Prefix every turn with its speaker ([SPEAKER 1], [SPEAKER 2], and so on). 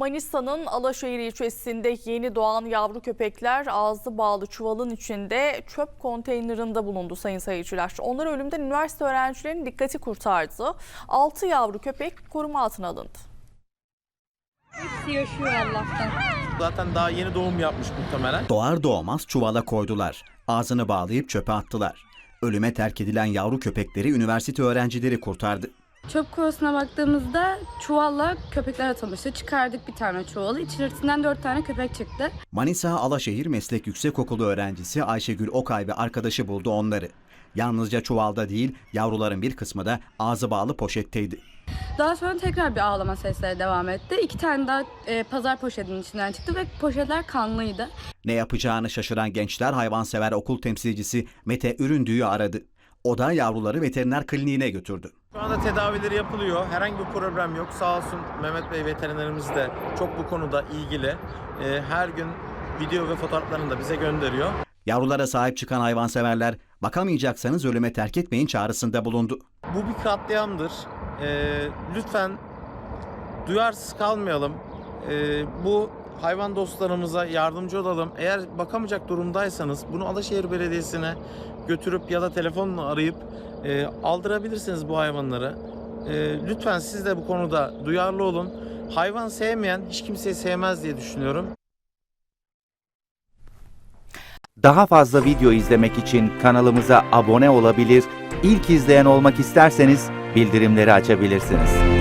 [SPEAKER 1] Manisa'nın Alaşehir ilçesinde yeni doğan yavru köpekler ağzı bağlı çuvalın içinde çöp konteynerinde bulundu sayın seyirciler. Onlar ölümden üniversite öğrencilerinin dikkati kurtardı. 6 yavru köpek koruma altına alındı.
[SPEAKER 2] Hepsi yaşıyor Allah'tan.
[SPEAKER 3] Zaten daha yeni doğum yapmış muhtemelen.
[SPEAKER 4] Doğar doğmaz çuvala koydular. Ağzını bağlayıp çöpe attılar. Ölüme terk edilen yavru köpekleri üniversite öğrencileri kurtardı.
[SPEAKER 2] Çöp kovasına baktığımızda çuvalla köpekler atılmıştı. Çıkardık bir tane çuvalı. İçerisinden 4 tane köpek çıktı.
[SPEAKER 4] Manisa Alaşehir Meslek Yüksekokulu öğrencisi Ayşegül Okay ve arkadaşı buldu onları. Yalnızca çuvalda değil, yavruların bir kısmı da ağzı bağlı poşetteydi.
[SPEAKER 2] Daha sonra tekrar bir ağlama sesleri devam etti. 2 tane daha pazar poşetinin içinden çıktı ve poşetler kanlıydı.
[SPEAKER 4] Ne yapacağını şaşıran gençler hayvansever okul temsilcisi Mete Üründüğü aradı. O da yavruları veteriner kliniğine götürdü.
[SPEAKER 3] Şu anda tedavileri yapılıyor. Herhangi bir problem yok. Sağ olsun Mehmet Bey veterinerimiz de çok bu konuda ilgili. Her gün video ve fotoğraflarını da bize gönderiyor.
[SPEAKER 4] Yavrulara sahip çıkan hayvanseverler bakamayacaksanız ölüme terk etmeyin çağrısında bulundu.
[SPEAKER 3] Bu bir katliamdır. Lütfen duyarsız kalmayalım. Bu hayvan dostlarımıza yardımcı olalım. Eğer bakamayacak durumdaysanız bunu Alaşehir Belediyesi'ne götürüp ya da telefonla arayıp aldırabilirsiniz bu hayvanları. Lütfen siz de bu konuda duyarlı olun. Hayvan sevmeyen hiç kimseyi sevmez diye düşünüyorum.
[SPEAKER 5] Daha fazla video izlemek için kanalımıza abone olabilir, ilk izleyen olmak isterseniz bildirimleri açabilirsiniz.